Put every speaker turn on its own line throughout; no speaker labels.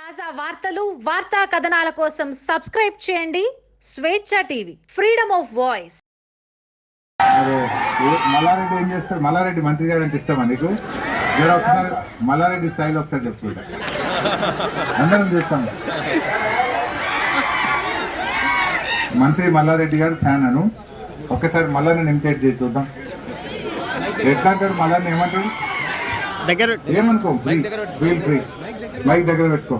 తాజా వార్తలు వార్తా కథనాల కోసం సబ్స్క్రైబ్ చేయండి Swecha TV, freedom of voice.
Mallareddy ఏం చేస్తాడు? మల్లారెడ్డి మంత్రి గారు అంటే ఇష్టమా నీకు? మీరు ఒకసారి మల్లారెడ్డి స్టైల్ ఒకసారి చెప్పుకుంటా, అందరం చూస్తాం. మంత్రి మల్లారెడ్డి గారు ఫ్యాన్ అను, ఒక్కసారి మల్లారెడ్డిని ఇమిటేట్ చేసి చూద్దాం. ఎట్లా అంటాడు మల్లారెడ్డి? ఏమంటాడు? ఏమనుకో, ఫీల్ ఫ్రీ, మైక్ దగ్గర పెట్టుకో.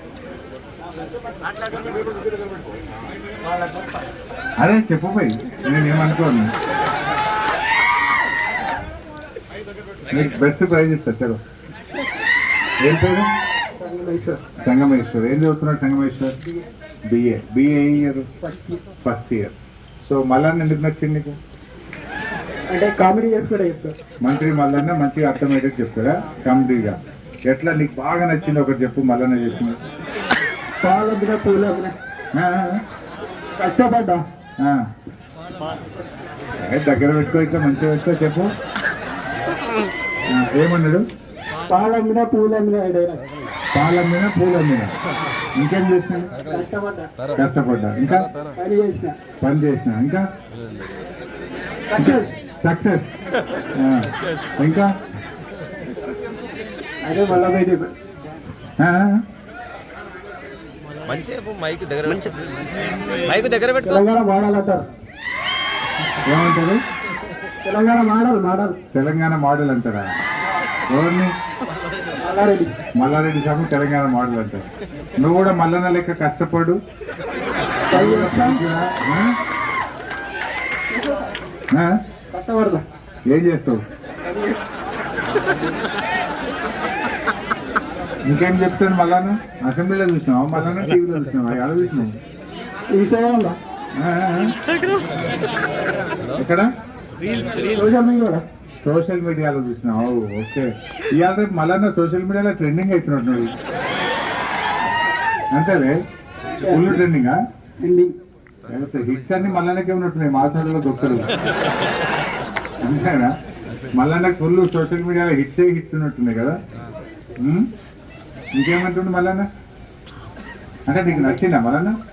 అరే చెప్పు పోయి, నేనేమనుకోను. నీకు బెస్ట్ ప్రైజ్ ఇస్తా. చలో, ఏం పేరు? సంగమేశ్వర్. ఏం చదువుతున్నాడు Sangameshwar? BA year, first year. So Mallanna ఎందుకు నచ్చింది నీకు?
అంటే కామెడీ చేస్తాడా చెప్తాడు
మంత్రి మల్లన్న, మంచిగా అర్థమయ్యేటట్టు చెప్తాడా కామెడీగా. ఎట్లా నీకు బాగా నచ్చింది ఒకటి చెప్పు. మల్లన్న చేసింది
పాలమ్మిన పూలమ్మిన కష్టపడ్డా.
దగ్గర పెట్టుకో, ఇట్లా మంచిగా పెట్టుకో, చెప్పు. ఏమన్నాడు?
పాలమ్మిన పూలమ్మిన.
పాలమ్మిన పూలమ్మిన. ఇంకేం చేసినాడు? కష్టపడ్డా. ఇంకా పని చేసిన. ఇంకా సక్సెస్. ఇంకా
అదే మళ్ళా
మైక్ దగ్గర పెట్టుకో.
తెలంగాణ మోడల్ అంటారు.
ఏమంటారు?
తెలంగాణ మోడల్.
తెలంగాణ మోడల్ అంటారా? ఎవరిని? మల్లారెడ్డి సాబు తెలంగాణ మోడల్ అంటారు. నువ్వు కూడా మల్లన్న లెక్క కష్టపడు.
కష్టపడదా?
ఏం చేస్తావు? ఇంకేం చెప్తాను? మల్లన్న అసెంబ్లీలో చూసినావా? మల్లన్న టీవీలో చూసినావా? ఎలా చూసినావు?
ఇన్స్టాగ్రామ్
ఎక్కడ? సోషల్ మీడియాలో చూసినావు. ఓకే. ఇవాళ రేపు మల్లన్న సోషల్ మీడియాలో ట్రెండింగ్ అవుతున్నాడు. నువ్వు అంతేలే, ఫుల్ ట్రెండింగా. హిట్స్ అన్ని మల్లన్నకే ఉన్నట్టున్నాయి, మాసంలో దొక్కలు. అంతేనా? మల్లన్నకు ఫుల్ సోషల్ మీడియాలో హిట్స్ ఉన్నట్టున్నాయి కదా. ఇంకేమంటుండు మల్లన్న? అంటే నీకు నచ్చిందా మల్లన్న?